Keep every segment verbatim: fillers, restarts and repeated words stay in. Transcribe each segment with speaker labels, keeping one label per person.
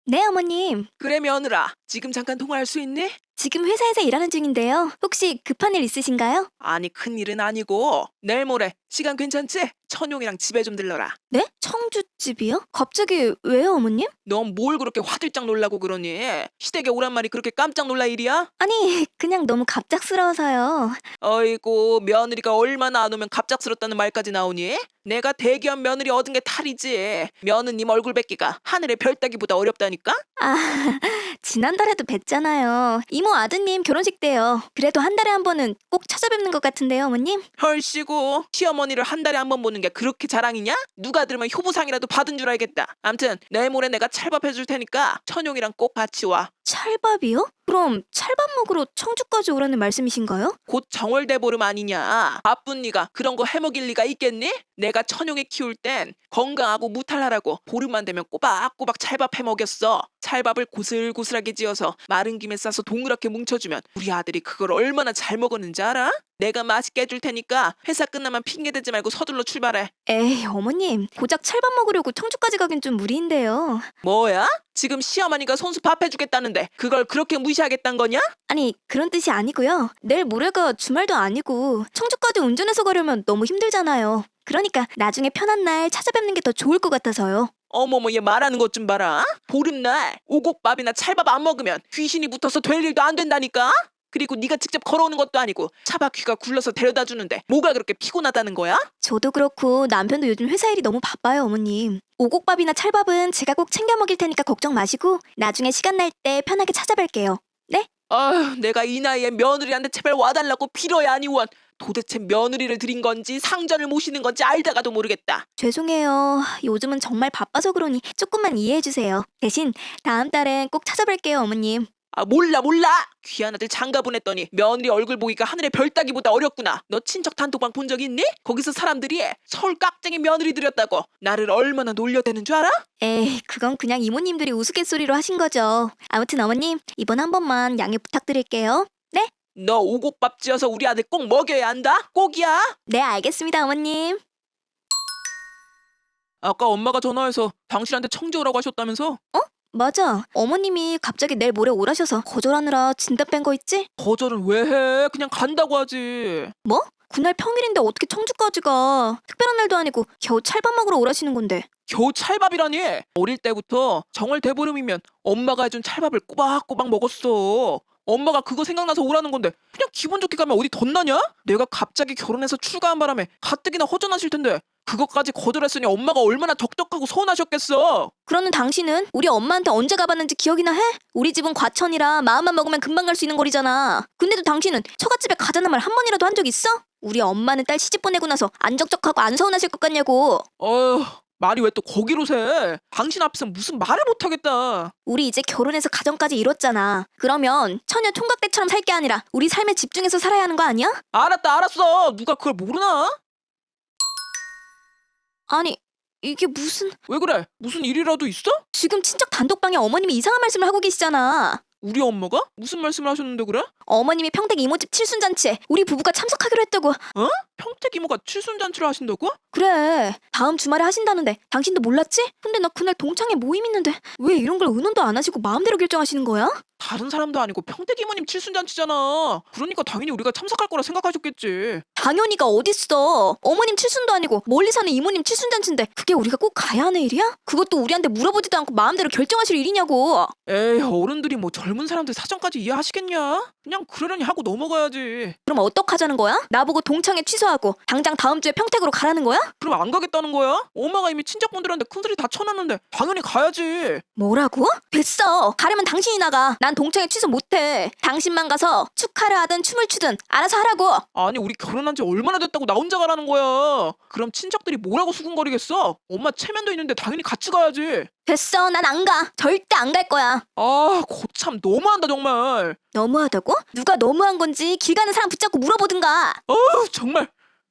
Speaker 1: 네, 어머님.
Speaker 2: 그래 며느라, 지금 잠깐 통화할 수 있니?
Speaker 1: 지금 회사에서 일하는 중인데요. 혹시 급한 일 있으신가요?
Speaker 2: 아니 큰일은 아니고 내일 모레 시간 괜찮지? 천용이랑 집에 좀 들러라.
Speaker 1: 네? 청주집이요? 갑자기 왜요, 어머님?
Speaker 2: 넌 뭘 그렇게 화들짝 놀라고 그러니? 시댁에 오란 말이 그렇게 깜짝 놀랄 일이야?
Speaker 1: 아니, 그냥 너무 갑작스러워서요.
Speaker 2: 어이구 며느리가 얼마나 안 오면 갑작스럽다는 말까지 나오니? 내가 대기업 며느리 얻은 게 탈이지. 며느님 얼굴 뵙기가 하늘의 별 따기보다 어렵다니까?
Speaker 1: 아, 지난달에도 뵀잖아요. 이모 아드님 결혼식 때요. 그래도 한 달에 한 번은 꼭 찾아뵙는 것 같은데요, 어머님?
Speaker 2: 헐씨고 시어머니를 한 달에 한 번 보는 게 그렇게 자랑이냐? 누가 들으면 효부상이라도 받은 줄 알겠다. 암튼 내일 모레 내가 찰밥 해줄 테니까 천용이랑 꼭 같이 와.
Speaker 1: 찰밥이요? 그럼 찰밥 먹으러 청주까지 오라는 말씀이신가요?
Speaker 2: 곧 정월대보름 아니냐. 바쁜 네가 그런 거 해먹일 리가 있겠니? 내가 천용이 키울 땐 건강하고 무탈하라고 보름만 되면 꼬박꼬박 찰밥 해먹였어. 찰밥을 고슬고슬하게 지어서 마른 김에 싸서 동그랗게 뭉쳐주면 우리 아들이 그걸 얼마나 잘 먹었는지 알아? 내가 맛있게 해줄 테니까 회사 끝나면 핑계대지 말고 서둘러 출발해.
Speaker 1: 에이, 어머님. 고작 찰밥 먹으려고 청주까지 가긴 좀 무리인데요.
Speaker 2: 뭐야? 지금 시어머니가 손수 밥 해주겠다는데 그걸 그렇게 무시하겠단 거냐?
Speaker 1: 아니, 그런 뜻이 아니고요. 내일 모레가 주말도 아니고 청주까지 운전해서 가려면 너무 힘들잖아요. 그러니까 나중에 편한 날 찾아뵙는 게 더 좋을 것 같아서요.
Speaker 2: 어머머 얘 말하는 것 좀 봐라. 보름날 오곡밥이나 찰밥 안 먹으면 귀신이 붙어서 될 일도 안 된다니까? 그리고 네가 직접 걸어오는 것도 아니고 차바퀴가 굴러서 데려다 주는데 뭐가 그렇게 피곤하다는 거야?
Speaker 1: 저도 그렇고 남편도 요즘 회사 일이 너무 바빠요, 어머님. 오곡밥이나 찰밥은 제가 꼭 챙겨 먹일 테니까 걱정 마시고 나중에 시간 날 때 편하게 찾아뵐게요. 네?
Speaker 2: 아휴 내가 이 나이에 며느리한테 제발 와달라고 빌어야 하니 원. 도대체 며느리를 드린 건지 상전을 모시는 건지 알다가도 모르겠다.
Speaker 1: 죄송해요. 요즘은 정말 바빠서 그러니 조금만 이해해 주세요. 대신 다음 달엔 꼭 찾아뵐게요, 어머님.
Speaker 2: 아 몰라 몰라. 귀한 아들 장가 보냈더니 며느리 얼굴 보기가 하늘의 별 따기보다 어렵구나. 너 친척 단톡방 본 적 있니? 거기서 사람들이 서울 깍쟁이 며느리 들였다고 나를 얼마나 놀려대는 줄 알아?
Speaker 1: 에이, 그건 그냥 이모님들이 우스갯소리로 하신 거죠. 아무튼 어머님, 이번 한 번만 양해 부탁드릴게요. 네?
Speaker 2: 너 오곡밥 지어서 우리 아들 꼭 먹여야 한다. 꼭이야.
Speaker 1: 네, 알겠습니다, 어머님.
Speaker 2: 아까 엄마가 전화해서 당신한테 청주 오라고 하셨다면서?
Speaker 1: 맞아. 어머님이 갑자기 내일 모레 오라셔서 거절하느라 진단 뺀 거 있지?
Speaker 2: 거절은 왜 해? 그냥 간다고 하지.
Speaker 1: 뭐? 그날 평일인데 어떻게 청주까지 가? 특별한 날도 아니고 겨우 찰밥 먹으러 오라시는 건데.
Speaker 2: 겨우 찰밥이라니. 어릴 때부터 정월 대보름이면 엄마가 해준 찰밥을 꼬박꼬박 먹었어. 엄마가 그거 생각나서 오라는 건데 그냥 기분 좋게 가면 어디 덧나냐? 내가 갑자기 결혼해서 출가한 바람에 가뜩이나 허전하실 텐데 그것까지 거절했으니 엄마가 얼마나 적적하고 서운하셨겠어.
Speaker 1: 그러는 당신은 우리 엄마한테 언제 가봤는지 기억이나 해? 우리 집은 과천이라 마음만 먹으면 금방 갈 수 있는 거리잖아. 근데도 당신은 처갓집에 가자는 말 한 번이라도 한 적 있어? 우리 엄마는 딸 시집 보내고 나서 안 적적하고 안 서운하실 것 같냐고.
Speaker 2: 어휴 말이 왜 또 거기로 새? 당신 앞에서 무슨 말을 못하겠다.
Speaker 1: 우리 이제 결혼해서 가정까지 이뤘잖아. 그러면 처녀 총각 때처럼 살 게 아니라 우리 삶에 집중해서 살아야 하는 거 아니야?
Speaker 2: 알았다 알았어. 누가 그걸 모르나?
Speaker 1: 아니, 이게 무슨...
Speaker 2: 왜 그래? 무슨 일이라도 있어?
Speaker 1: 지금 친척 단독방에 어머님이 이상한 말씀을 하고 계시잖아.
Speaker 2: 우리 엄마가? 무슨 말씀을 하셨는데 그래?
Speaker 1: 어머님이 평택 이모집 칠순잔치에 우리 부부가 참석하기로 했다고.
Speaker 2: 어? 평택 이모가 칠순잔치를 하신다고?
Speaker 1: 그래, 다음 주말에 하신다는데 당신도 몰랐지? 근데 나 그날 동창회 모임 있는데 왜 이런 걸 의논도 안 하시고 마음대로 결정하시는 거야?
Speaker 2: 다른 사람도 아니고 평택 이모님 칠순잔치잖아. 그러니까 당연히 우리가 참석할 거라 생각하셨겠지.
Speaker 1: 당연히가 어딨어. 어머님 칠순도 아니고 멀리 사는 이모님 칠순잔치인데 그게 우리가 꼭 가야 하는 일이야? 그것도 우리한테 물어보지도 않고 마음대로 결정하실 일이냐고.
Speaker 2: 에이 어른들이 뭐 젊은 사람들 사정까지 이해하시겠냐? 그냥 그러려니 하고 넘어가야지.
Speaker 1: 그럼 어떡하자는 거야? 나보고 동창회 취소하고 당장 다음 주에 평택으로 가라는 거야?
Speaker 2: 그럼 안 가겠다는 거야? 엄마가 이미 친척분들한테 큰소리 다 쳐놨는데 당연히 가야지.
Speaker 1: 뭐라고? 됐어. 가려면 당신이 나가. 난 동창회 취소 못해. 당신만 가서 축하를 하든 춤을 추든 알아서 하라고.
Speaker 2: 아니 우리 결혼한 지 얼마나 됐다고 나 혼자 가라는 거야. 그럼 친척들이 뭐라고 수군거리겠어? 엄마 체면도 있는데 당연히 같이 가야지.
Speaker 1: 됐어. 난 안 가. 절대 안 갈 거야.
Speaker 2: 아 거참 너무한다 정말.
Speaker 1: 너무하다고? 누가 너무한 건지 길 가는 사람 붙잡고 물어보든가.
Speaker 2: 어우 정말.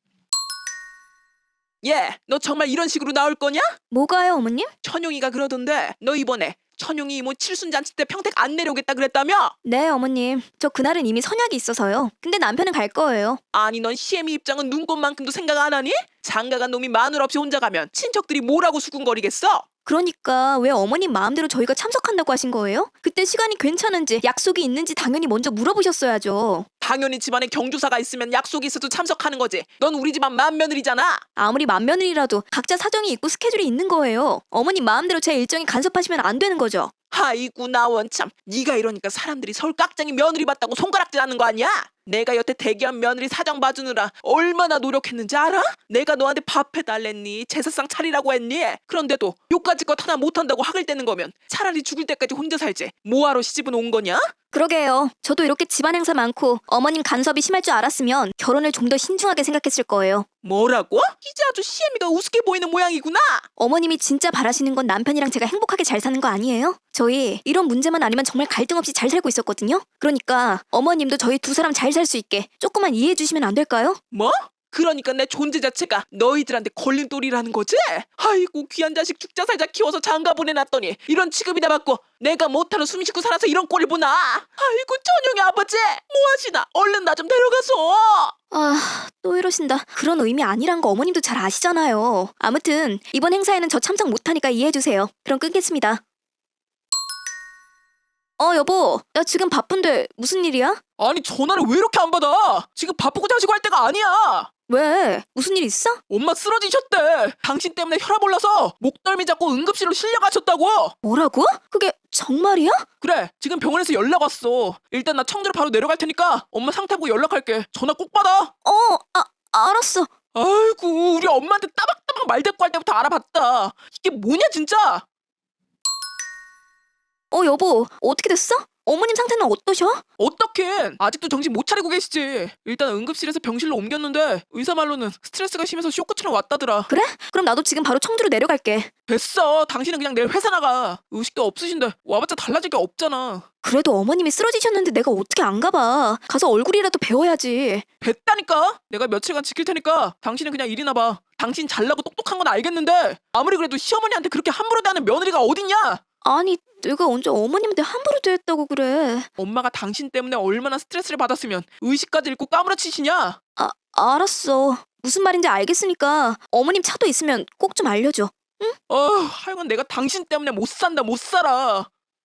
Speaker 2: 얘, 너 정말 이런 식으로 나올 거냐?
Speaker 1: 뭐가요, 어머님?
Speaker 2: 천용이가 그러던데 너 이번에 천용이 이모 칠순잔치 때 평택 안 내려오겠다 그랬다며?
Speaker 1: 네, 어머님. 저 그날은 이미 선약이 있어서요. 근데 남편은 갈 거예요.
Speaker 2: 아니 넌 시애미 입장은 눈꽃만큼도 생각 안 하니? 장가간 놈이 마누라 없이 혼자 가면 친척들이 뭐라고 수군거리겠어?
Speaker 1: 그러니까 왜 어머님 마음대로 저희가 참석한다고 하신 거예요? 그때 시간이 괜찮은지 약속이 있는지 당연히 먼저 물어보셨어야죠.
Speaker 2: 당연히 집안에 경조사가 있으면 약속이 있어도 참석하는 거지. 넌 우리 집안 맏며느리잖아.
Speaker 1: 아무리 맏며느리라도 각자 사정이 있고 스케줄이 있는 거예요. 어머님 마음대로 제 일정에 간섭하시면 안 되는 거죠.
Speaker 2: 아이고 나원 참. 네가 이러니까 사람들이 서울 깍쟁이 며느리 봤다고 손가락질 하는 거 아니야? 내가 여태 대기업 며느리 사정 봐주느라 얼마나 노력했는지 알아? 내가 너한테 밥 해달랬니? 제사상 차리라고 했니? 그런데도 요까지 것 하나 못한다고 학을 떼는 거면 차라리 죽을 때까지 혼자 살지. 뭐하러 시집은 온 거냐?
Speaker 1: 그러게요. 저도 이렇게 집안 행사 많고 어머님 간섭이 심할 줄 알았으면 결혼을 좀 더 신중하게 생각했을 거예요.
Speaker 2: 뭐라고? 이제 아주 시애미가 우습게 보이는 모양이구나.
Speaker 1: 어머님이 진짜 바라시는 건 남편이랑 제가 행복하게 잘 사는 거 아니에요? 저희 이런 문제만 아니면 정말 갈등 없이 잘 살고 있었거든요. 그러니까 어머님도 저희 두 사람 잘 살 수 있게 조금만 이해해 주시면 안 될까요?
Speaker 2: 뭐? 그러니까 내 존재 자체가 너희들한테 걸림돌이라는 거지? 아이고 귀한 자식 죽자 살자 키워서 장가 보내놨더니 이런 취급이나 받고 내가 못하러 숨 쉬고 살아서 이런 꼴을 보나? 아이고 천영이 아버지 뭐하시나? 얼른 나 좀 데려가서.
Speaker 1: 아, 또 이러신다. 그런 의미 아니란 거 어머님도 잘 아시잖아요. 아무튼 이번 행사에는 저 참석 못하니까 이해해 주세요. 그럼 끊겠습니다. 어, 여보. 나 지금 바쁜데 무슨 일이야?
Speaker 2: 아니 전화를 왜 이렇게 안 받아? 지금 바쁘고 자시고 할 때가 아니야.
Speaker 1: 왜? 무슨 일 있어?
Speaker 2: 엄마 쓰러지셨대. 당신 때문에 혈압 올라서 목덜미 잡고 응급실로 실려가셨다고.
Speaker 1: 뭐라고? 그게 정말이야?
Speaker 2: 그래 지금 병원에서 연락 왔어. 일단 나 청주로 바로 내려갈 테니까 엄마 상태 보고 연락할게. 전화 꼭 받아.
Speaker 1: 어, 아, 알았어.
Speaker 2: 아이고 우리 엄마한테 따박따박 말대꾸 할 때부터 알아봤다. 이게 뭐냐 진짜.
Speaker 1: 어, 여보. 어떻게 됐어? 어머님 상태는 어떠셔?
Speaker 2: 어떡해 아직도 정신 못 차리고 계시지. 일단 응급실에서 병실로 옮겼는데 의사 말로는 스트레스가 심해서 쇼크처럼 왔다더라.
Speaker 1: 그래? 그럼 나도 지금 바로 청주로 내려갈게.
Speaker 2: 됐어 당신은 그냥 내일 회사 나가. 의식도 없으신데 와봤자 달라질 게 없잖아.
Speaker 1: 그래도 어머님이 쓰러지셨는데 내가 어떻게 안 가봐. 가서 얼굴이라도 배워야지.
Speaker 2: 뵀다니까. 내가 며칠간 지킬 테니까 당신은 그냥 일이나 봐. 당신 잘나고 똑똑한 건 알겠는데 아무리 그래도 시어머니한테 그렇게 함부로 대하는 며느리가 어딨냐.
Speaker 1: 아니, 내가 언제 어머님한테 함부로 대했다고 그래.
Speaker 2: 엄마가 당신 때문에 얼마나 스트레스를 받았으면 의식까지 잃고 까무러치시냐.
Speaker 1: 아, 알았어. 무슨 말인지 알겠으니까 어머님 차도 있으면 꼭 좀 알려줘.
Speaker 2: 어, 하여간 내가 당신 때문에 못 산다 못 살아.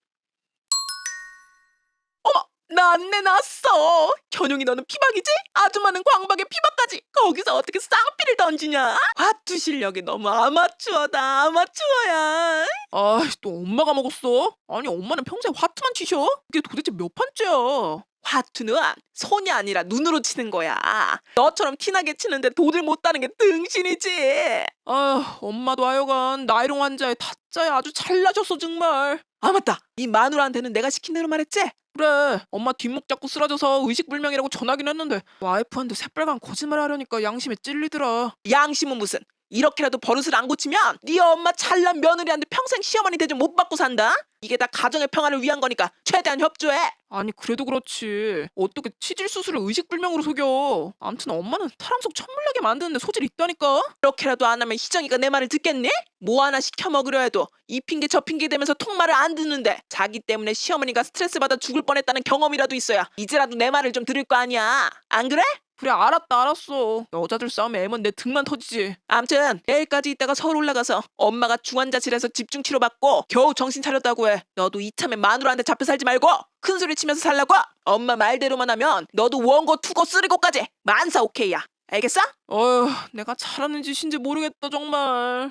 Speaker 2: 어머 나 안내 났어. 현용이 너는 피박이지? 아줌마는 광박에 피박까지. 거기서 어떻게 쌍피를 던지냐? 화투 실력이 너무 아마추어다 아마추어야. 아또 엄마가 먹었어? 아니 엄마는 평생 화투만 치셔? 이게 도대체 몇 판째야? 화투는 손이 아니라 눈으로 치는 거야. 너처럼 티나게 치는데 도들 못 따는 게 등신이지. 아 엄마도 하여간 나이롱 환자에 타짜에 아주 잘나셨어 정말. 아 맞다 이 마누라한테는 내가 시킨 대로 말했지? 그래 엄마 뒷목 잡고 쓰러져서 의식불명이라고 전하긴 했는데 와이프한테 새빨간 거짓말 하려니까 양심에 찔리더라. 양심은 무슨. 이렇게라도 버릇을 안 고치면 네 엄마 찰난 며느리한테 평생 시어머니 대접 못 받고 산다. 이게 다 가정의 평화를 위한 거니까 최대한 협조해. 아니 그래도 그렇지 어떻게 치질 수술을 의식불명으로 속여. 암튼 엄마는 사람 속 천물나게 만드는데 소질이 있다니까. 이렇게라도 안 하면 희정이가 내 말을 듣겠니? 뭐 하나 시켜 먹으려 해도 이 핑계 저 핑계 대면서 통말을 안 듣는데 자기 때문에 시어머니가 스트레스 받아 죽을 뻔했다는 경험이라도 있어야 이제라도 내 말을 좀 들을 거 아니야. 안 그래? 그래 알았다 알았어. 여자들 싸움에 애면 내 등만 터지지. 암튼 내일까지 있다가 서울 올라가서 엄마가 중환자실에서 집중 치료받고 겨우 정신 차렸다고 해. 너도 이참에 마누라한테 잡혀 살지 말고 큰 소리 치면서 살라고. 엄마 말대로만 하면 너도 원고 투고 쓰리고까지 만사 오케이야. 알겠어? 어휴 내가 잘하는 짓인지 모르겠다 정말.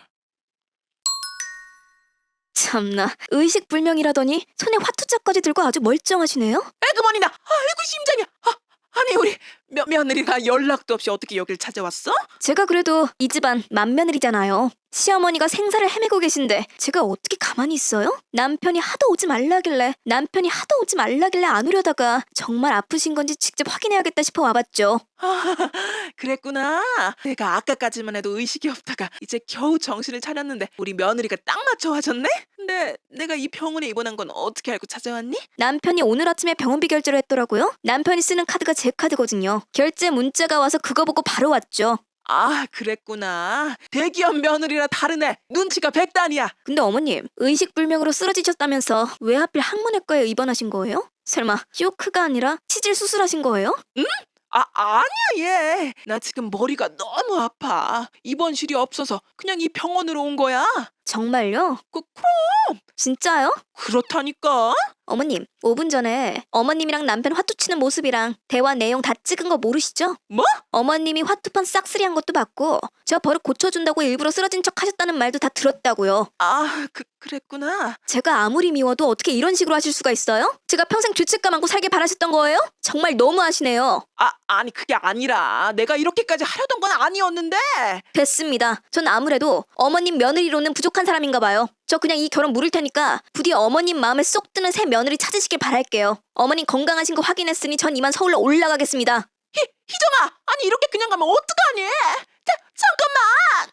Speaker 1: 참나, 의식불명이라더니 손에 화투자까지 들고 아주 멀쩡하시네요.
Speaker 2: 에그머니나 아이고 심장이야. 아, 아니 우리 며, 며느리가 연락도 없이 어떻게 여길 찾아왔어?
Speaker 1: 제가 그래도 이 집안 맏며느리잖아요. 시어머니가 생사를 헤매고 계신데 제가 어떻게 가만히 있어요? 남편이 하도 오지 말라길래 남편이 하도 오지 말라길래 안 오려다가 정말 아프신 건지 직접 확인해야겠다 싶어 와봤죠.
Speaker 2: 아, 그랬구나. 내가 아까까지만 해도 의식이 없다가 이제 겨우 정신을 차렸는데 우리 며느리가 딱 맞춰 와줬네? 근데 내가 이 병원에 입원한 건 어떻게 알고 찾아왔니?
Speaker 1: 남편이 오늘 아침에 병원비 결제를 했더라고요. 남편이 쓰는 카드가 제 카드거든요. 결제 문자가 와서 그거 보고 바로 왔죠.
Speaker 2: 아 그랬구나. 대기업 며느리라 다르네. 눈치가 백단이야.
Speaker 1: 근데 어머님, 의식불명으로 쓰러지셨다면서 왜 하필 항문외과에 입원하신 거예요? 설마 쇼크가 아니라 치질 수술하신 거예요?
Speaker 2: 아, 아니야, 얘. 나 지금 머리가 너무 아파. 입원실이 없어서 그냥 이 병원으로 온 거야.
Speaker 1: 정말요?
Speaker 2: 그, 그럼.
Speaker 1: 진짜요?
Speaker 2: 그렇다니까.
Speaker 1: 어머님, 오 분 전에 어머님이랑 남편 화투 치는 모습이랑 대화 내용 다 찍은 거 모르시죠?
Speaker 2: 뭐?
Speaker 1: 어머님이 화투판 싹쓸이한 것도 봤고 저 버릇 고쳐준다고 일부러 쓰러진 척 하셨다는 말도 다 들었다고요.
Speaker 2: 아, 그, 그랬구나.
Speaker 1: 제가 아무리 미워도 어떻게 이런 식으로 하실 수가 있어요? 제가 평생 죄책감 안고 살길 바라셨던 거예요? 정말 너무하시네요.
Speaker 2: 아, 아니, 그게 아니라 내가 이렇게까지 하려던 건 아니었는데.
Speaker 1: 됐습니다. 전 아무래도 어머님 며느리로는 부족한 사람인가 봐요. 저 그냥 이 결혼 물을 테니까 부디 어머님 마음에 쏙 드는 새 며느리 찾으시길 바랄게요. 어머님 건강하신 거 확인했으니 전 이만 서울로 올라가겠습니다.
Speaker 2: 희, 희정아, 아니 이렇게 그냥 가면 어떡하니? 자, 잠깐만.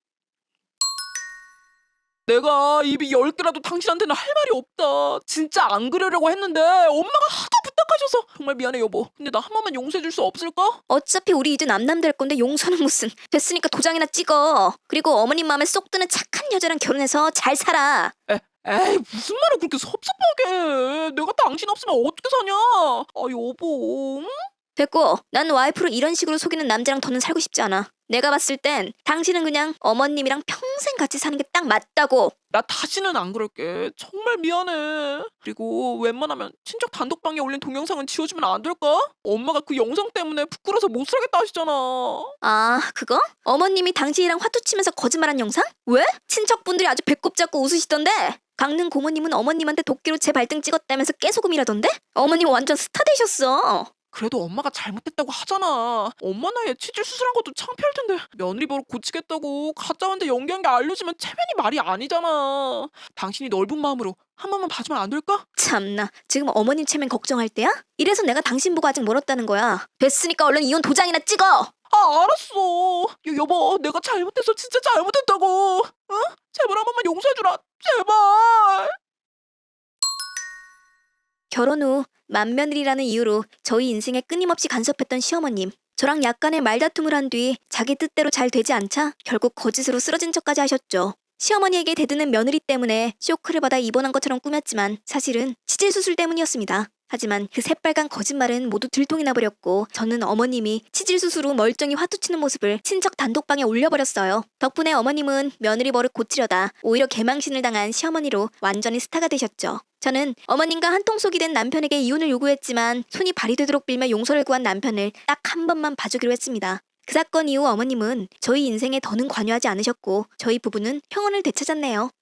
Speaker 2: 내가 입이 열 개라도 당신한테는 할 말이 없다. 진짜 안 그러려고 했는데 엄마가 하도 부탁하셔서 정말 미안해 여보. 근데 나 한 번만 용서해 줄 수 없을까?
Speaker 1: 어차피 우리 이제 남남 될 건데 용서는 무슨. 됐으니까 도장이나 찍어. 그리고 어머님 마음에 쏙 드는 착한 여자랑 결혼해서 잘 살아.
Speaker 2: 에, 에이 무슨 말을 그렇게 섭섭하게 해. 내가 당신 없으면 어떻게 사냐? 아 여보. 응?
Speaker 1: 됐고, 난 와이프를 이런 식으로 속이는 남자랑 더는 살고 싶지 않아. 내가 봤을 땐 당신은 그냥 어머님이랑 평생 같이 사는 게 딱 맞다고.
Speaker 2: 나 다시는 안 그럴게. 정말 미안해. 그리고 웬만하면 친척 단독방에 올린 동영상은 지워주면 안 될까? 엄마가 그 영상 때문에 부끄러워서 못 살겠다 하시잖아.
Speaker 1: 아, 그거? 어머님이 당신이랑 화투 치면서 거짓말한 영상? 왜? 친척분들이 아주 배꼽 잡고 웃으시던데? 강릉 고모님은 어머님한테 도끼로 제 발등 찍었다면서 깨소금이라던데? 어머님 완전 스타 되셨어.
Speaker 2: 그래도 엄마가 잘못했다고 하잖아. 엄마 나이에 치질 수술한 것도 창피할 텐데 며느리 버릇 고치겠다고 가짜한테 연기한 게 알려지면 체면이 말이 아니잖아. 당신이 넓은 마음으로 한 번만 봐주면 안 될까?
Speaker 1: 참나, 지금 어머님 체면 걱정할 때야? 이래서 내가 당신 보고 아직 멀었다는 거야. 됐으니까 얼른 이혼 도장이나 찍어!
Speaker 2: 아 알았어. 여, 여보 내가 잘못했어. 진짜 잘못했다고. 응? 제발 한 번만 용서해주라. 제발.
Speaker 1: 결혼 후 맏며느리라는 이유로 저희 인생에 끊임없이 간섭했던 시어머님. 저랑 약간의 말다툼을 한 뒤 자기 뜻대로 잘 되지 않자 결국 거짓으로 쓰러진 척까지 하셨죠. 시어머니에게 대드는 며느리 때문에 쇼크를 받아 입원한 것처럼 꾸몄지만 사실은 치질 수술 때문이었습니다. 하지만 그 새빨간 거짓말은 모두 들통이 나버렸고 저는 어머님이 치질 수술 후 멀쩡히 화투 치는 모습을 친척 단독방에 올려버렸어요. 덕분에 어머님은 며느리 버릇 고치려다 오히려 개망신을 당한 시어머니로 완전히 스타가 되셨죠. 저는 어머님과 한통속이 된 남편에게 이혼을 요구했지만 손이 발이 되도록 빌며 용서를 구한 남편을 딱 한 번만 봐주기로 했습니다. 그 사건 이후 어머님은 저희 인생에 더는 관여하지 않으셨고 저희 부부는 평온을 되찾았네요.